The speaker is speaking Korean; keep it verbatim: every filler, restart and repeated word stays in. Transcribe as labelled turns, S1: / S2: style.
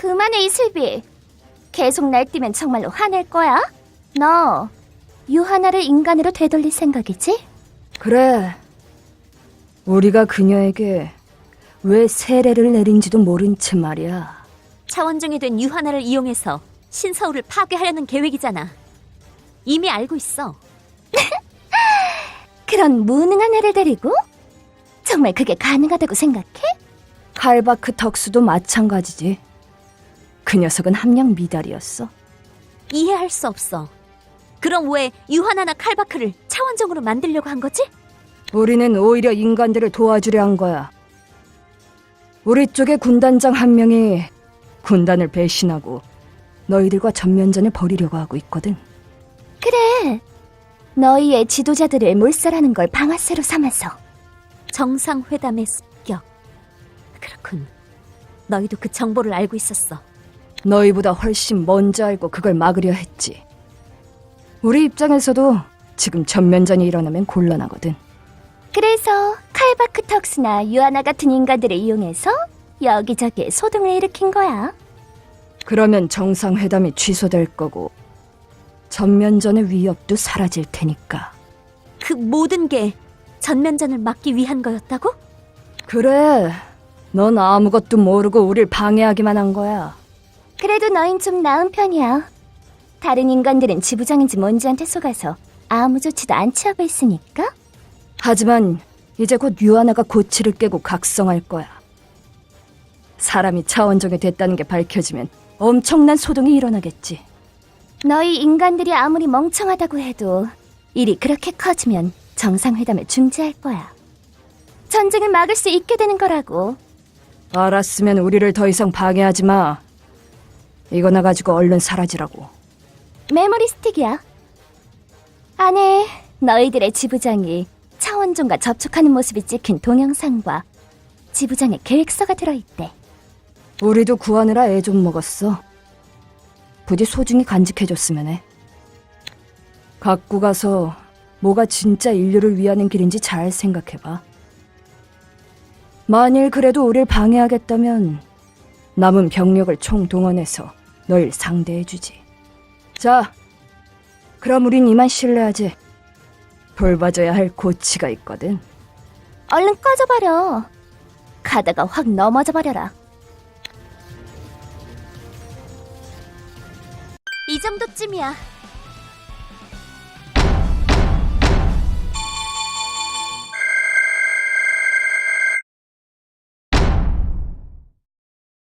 S1: 그만해, 이슬비. 계속 날뛰면 정말로 화낼 거야? 너 유하나를 인간으로 되돌릴 생각이지?
S2: 그래. 우리가 그녀에게 왜 세례를 내린지도 모른 채 말이야.
S3: 차원종이 된 유하나를 이용해서 신서울을 파괴하려는 계획이잖아. 이미 알고 있어.
S1: 그런 무능한 애를 데리고? 정말 그게 가능하다고 생각해?
S2: 칼바크 덕수도 마찬가지지. 그 녀석은 함량 미달이었어.
S3: 이해할 수 없어. 그럼 왜 유하나나 칼바크를 차원종으로 만들려고 한 거지?
S2: 우리는 오히려 인간들을 도와주려 한 거야. 우리 쪽의 군단장 한 명이 군단을 배신하고 너희들과 전면전을 벌이려고 하고 있거든.
S1: 그래. 너희의 지도자들을 몰살하는 걸 방아쇠로 삼아서.
S3: 정상회담의 습격. 그렇군. 너희도 그 정보를 알고 있었어.
S2: 너희보다 훨씬 먼저 알고 그걸 막으려 했지. 우리 입장에서도 지금 전면전이 일어나면 곤란하거든.
S1: 그래서 칼바크 턱스나 유아나 같은 인간들을 이용해서 여기저기에 소동을 일으킨 거야.
S2: 그러면 정상회담이 취소될 거고 전면전의 위협도 사라질 테니까.
S3: 그 모든 게 전면전을 막기 위한 거였다고?
S2: 그래. 넌 아무것도 모르고 우릴 방해하기만 한 거야.
S1: 그래도 너흰 좀 나은 편이야. 다른 인간들은 지부장인지 뭔지한테 속아서 아무 조치도 안 취하고 있으니까.
S2: 하지만 이제 곧 유아나가 고치를 깨고 각성할 거야. 사람이 차원종이 됐다는 게 밝혀지면 엄청난 소동이 일어나겠지.
S1: 너희 인간들이 아무리 멍청하다고 해도 일이 그렇게 커지면 정상회담을 중지할 거야. 전쟁을 막을 수 있게 되는 거라고.
S2: 알았으면 우리를 더 이상 방해하지 마. 이거나 가지고 얼른 사라지라고.
S1: 메모리 스틱이야. 안에 너희들의 지부장이 차원종과 접촉하는 모습이 찍힌 동영상과 지부장의 계획서가 들어있대.
S2: 우리도 구하느라 애 좀 먹었어. 부디 소중히 간직해줬으면 해. 갖고 가서 뭐가 진짜 인류를 위하는 길인지 잘 생각해봐. 만일 그래도 우릴 방해하겠다면 남은 병력을 총동원해서 널 상대해주지. 자, 그럼 우린 이만 실례하지. 돌봐줘야 할 고치가 있거든.
S1: 얼른 꺼져버려. 가다가 확 넘어져 버려라.
S3: 이 정도쯤이야.